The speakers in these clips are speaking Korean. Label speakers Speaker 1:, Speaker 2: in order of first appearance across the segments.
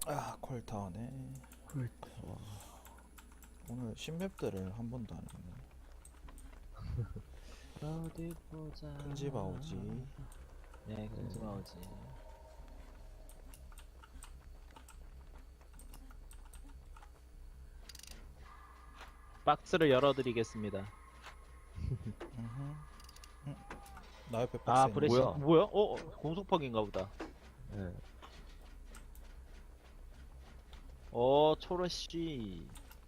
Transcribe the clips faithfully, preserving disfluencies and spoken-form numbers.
Speaker 1: 아, 콜타워네. 오늘 신맵들을 한 번도 안 했네.
Speaker 2: 어디 보자.
Speaker 1: 큰집 아오지.
Speaker 2: 네, 큰집
Speaker 1: 네.
Speaker 2: 아오지. 박스를 열어드리겠습니다.
Speaker 1: 나 옆에 박스
Speaker 2: 아,
Speaker 1: 있는
Speaker 2: 브레시.
Speaker 1: 거.
Speaker 3: 뭐야?
Speaker 2: 뭐야? 어, 어, 공속퍽인가 보다.
Speaker 3: 예.
Speaker 2: 어, 초로씨.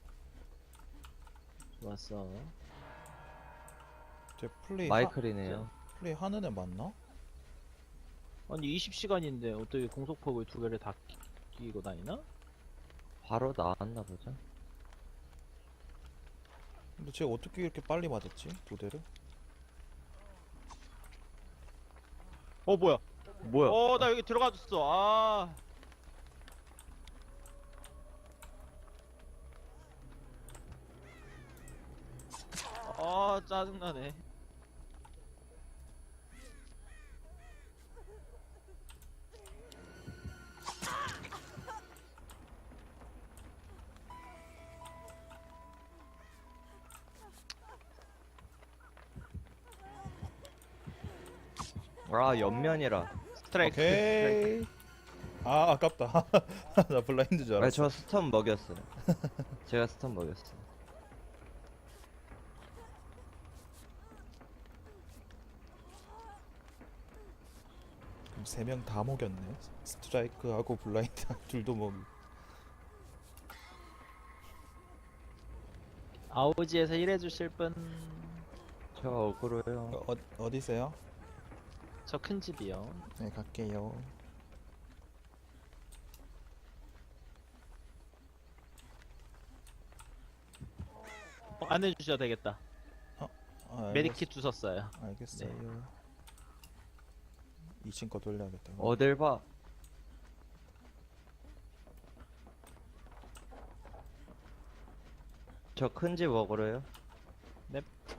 Speaker 2: 좋았어.
Speaker 1: 제 플레이
Speaker 3: 마이클이네요.
Speaker 1: 하, 플레이 하는 애 맞나?
Speaker 2: 아니, 이십 시간인데 어떻게 공속퍽을 두 개를 다 끼- 끼고 다니나?
Speaker 3: 바로 나왔나 보죠.
Speaker 1: 근데 쟤 어떻게 이렇게 빨리 맞았지? 두 대를?
Speaker 2: 어, 뭐야?
Speaker 3: 뭐야?
Speaker 2: 어, 나 여기 들어가줬어. 아. 아, 짜증나네.
Speaker 3: 아, 옆면이라.
Speaker 2: 스트라이크.
Speaker 1: 오케이. 아, 아깝다. 나 블라인드 줄
Speaker 3: 아,
Speaker 1: 알았어.
Speaker 3: 저 스턴 먹였어요. 제가 스턴 먹였어요.
Speaker 1: 그럼 세 명 다 먹였네. 스트라이크하고 블라인드 둘도 먹이.
Speaker 2: 아오지에서 일해주실 분.
Speaker 3: 저 억울해요.
Speaker 1: 어, 어, 어디세요?
Speaker 2: 저 큰 집이요.
Speaker 1: 네, 갈게요.
Speaker 2: 어, 안 해주셔도 되겠다.
Speaker 1: 아, 알겠,
Speaker 2: 메디킷 주셨어요.
Speaker 1: 알겠어요. 이 층 거 돌려야겠다.
Speaker 3: 어딜 봐. 저 큰 집 억울해요.
Speaker 2: 넵.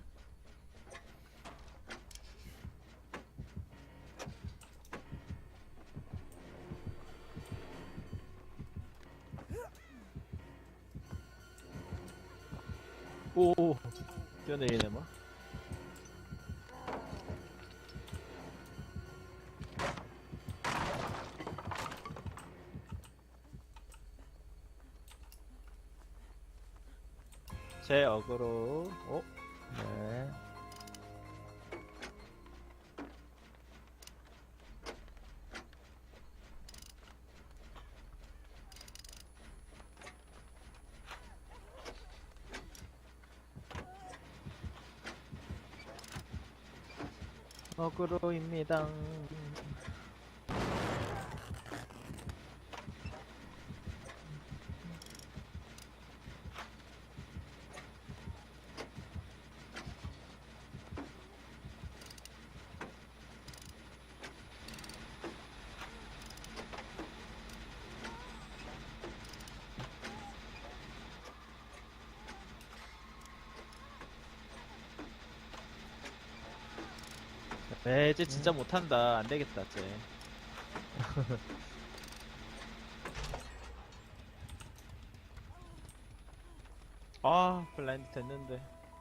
Speaker 2: 오, 뛰어내리네 뭐. 제 어그로. 어?
Speaker 3: 네.
Speaker 2: 어그로입니다. 네, 쟤 진짜 못한다. 안 되겠다, 쟤. 아, 블라인드 됐는데.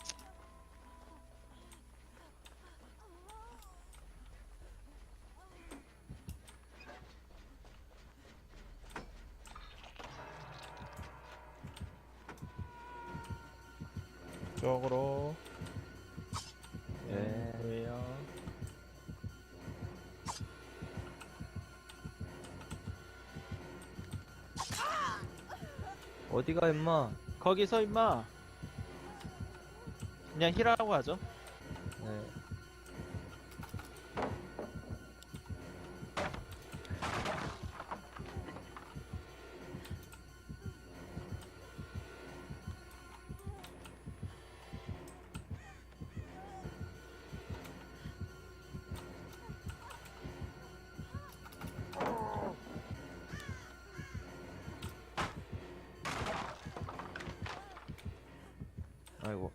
Speaker 1: 쪽으로.
Speaker 2: 네, 왜요?
Speaker 3: 어디가 임마?
Speaker 2: 거기서 임마. 그냥 힐하고 하죠.
Speaker 3: 네. 아이고.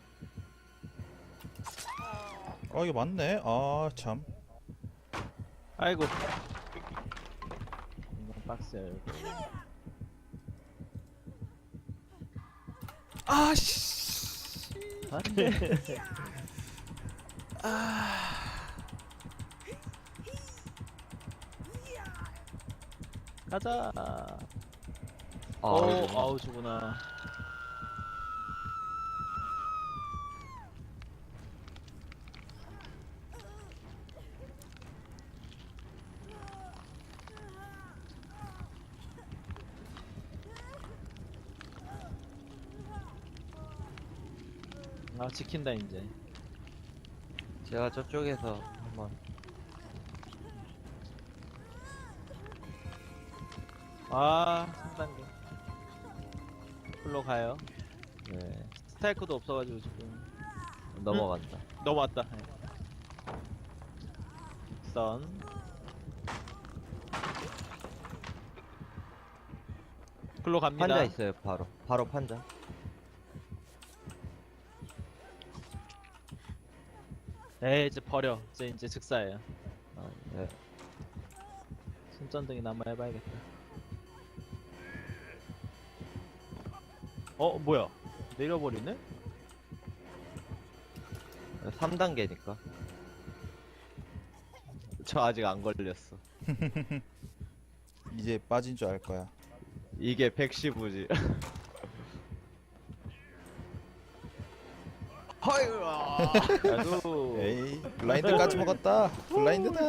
Speaker 1: 아, 이게 맞네. 아, 참.
Speaker 2: 아이고. 이건 박스야 이거.
Speaker 1: 아씨.
Speaker 3: 안돼.
Speaker 2: 가자.
Speaker 3: 아,
Speaker 2: 오,
Speaker 3: 이거.
Speaker 2: 아우즈구나. 아, 지킨다 이제.
Speaker 3: 제가 저쪽에서 한번.
Speaker 2: 아, 삼 단계. 풀로 가요.
Speaker 3: 네.
Speaker 2: 스타이크도 없어가지고 지금
Speaker 3: 넘어간다.
Speaker 2: 넘어왔다. 네. 선. 풀로 갑니다.
Speaker 3: 판자 있어요. 바로. 바로 판자.
Speaker 2: 에이, 이제 버려. 이제 이제 즉사예요.
Speaker 3: 아, 네.
Speaker 2: 손전등이나 한번 해봐야겠다. 어, 뭐야? 내려버리네?
Speaker 3: 삼 단계니까.
Speaker 2: 저 아직 안 걸렸어.
Speaker 1: 이제 빠진 줄 알 거야.
Speaker 2: 이게 백십우지. 허유. 아주.
Speaker 1: 에이, 블라인드까지 먹었다. 블라인드다.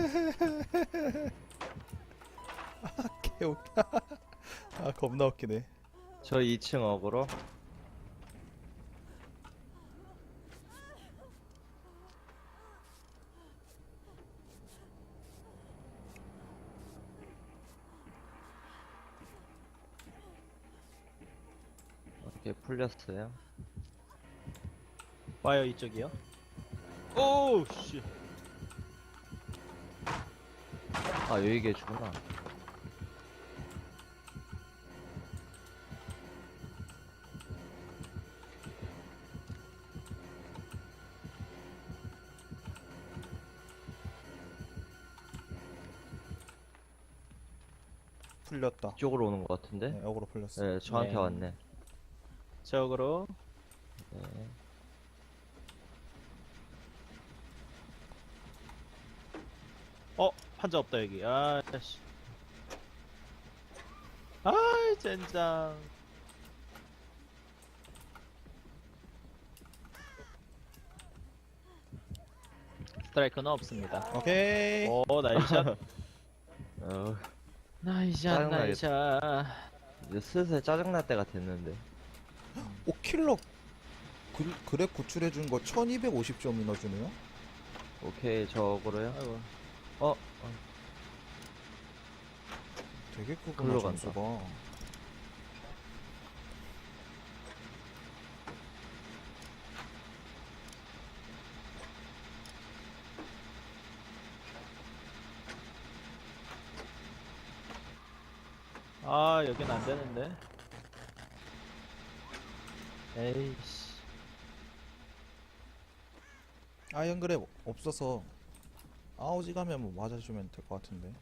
Speaker 1: 아, 개웃겨. 아, 겁나 웃기네.
Speaker 3: 저 이 층 어그로. 이렇게 풀렸어요.
Speaker 2: 와요 이쪽이요. 오 씨.
Speaker 3: 아, 여기 계시구나.
Speaker 1: 풀렸다.
Speaker 3: 이쪽으로 오는 것 같은데?
Speaker 1: 네, 역으로 풀렸어.
Speaker 3: 네, 저한테
Speaker 2: 네.
Speaker 3: 왔네.
Speaker 2: 저으로
Speaker 3: 네.
Speaker 2: 어 판자 없다 여기. 아씨. 아이 젠장. 스트라이크는 없습니다.
Speaker 1: 오케이.
Speaker 2: 오 나이샷.
Speaker 3: 어,
Speaker 2: 나이샷
Speaker 3: 짜증나겠다.
Speaker 2: 나이샷.
Speaker 3: 이제 슬슬 짜증날 때가 됐는데.
Speaker 1: 오, 킬러 그, 그랩 구출해준 거 천이백오십 점이나 주네요?
Speaker 3: 오케이, 저 어그로요.
Speaker 2: 아이고.
Speaker 3: 어, 어.
Speaker 1: 되게 크구나,
Speaker 3: 글로 간다.
Speaker 1: 점수가.
Speaker 2: 아 여긴 안 되는데. 에이씨.
Speaker 1: 아이언 그랩 없어서 아우지 가면 뭐 맞아주면 될 것 같은데.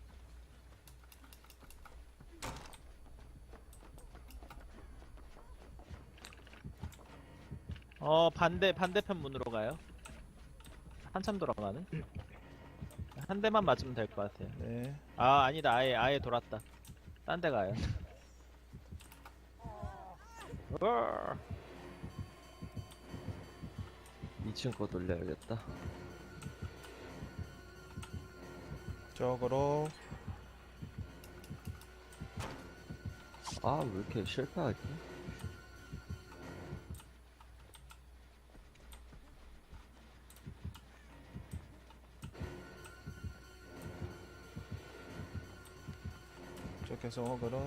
Speaker 2: 어 반대 반대편 문으로 가요. 한참 돌아가네. 한 대만 맞으면 될 것 같아요.
Speaker 1: 네.
Speaker 2: 아 아니다 아예 아예 돌았다. 딴 데 가요. 으아.
Speaker 3: 이 층 거 돌려야겠다.
Speaker 1: 저거로
Speaker 3: 아, 왜 이렇게 실패하지?
Speaker 1: 저렇게서 어그로.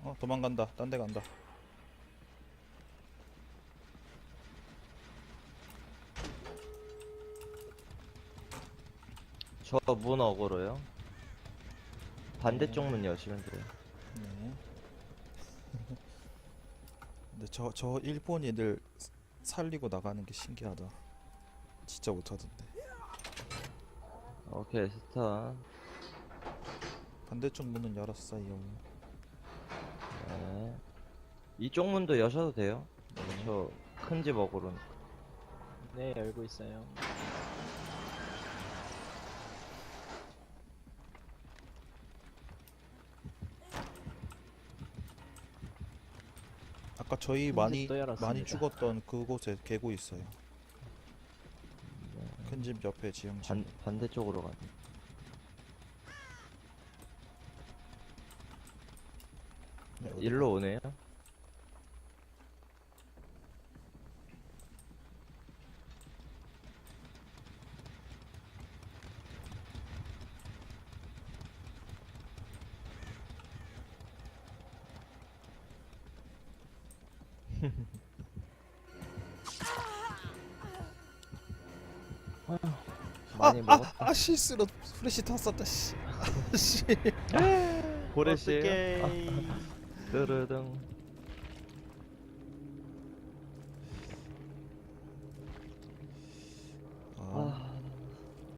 Speaker 1: 어 도망간다. 딴 데 간다.
Speaker 3: 저 문 어그로요. 반대쪽 문 여시면 돼요.
Speaker 1: 네. 근데 저 저 일본인들 살리고 나가는 게 신기하다. 진짜 못하던데.
Speaker 3: 오케이, 스타.
Speaker 1: 반대쪽 문은 열었어요.
Speaker 3: 네. 이쪽 문도 여셔도 돼요.
Speaker 1: 네.
Speaker 3: 저 큰 집 어그로는.
Speaker 2: 네, 열고 있어요.
Speaker 1: 아까 저희
Speaker 2: 큰
Speaker 1: 많이
Speaker 2: 집도 열었습니다.
Speaker 1: 많이 죽었던 그곳에 개구 있어요. 큰 집 옆에 지형지.
Speaker 3: 반, 반대쪽으로 가네.
Speaker 1: 네, 어디
Speaker 3: 일로 오네요. 많이 먹었다.
Speaker 1: 아 실수로 플래시 탔었다 씨. 아, 씨.
Speaker 3: 고래씨.
Speaker 2: 어떡해.
Speaker 3: 뜨르등.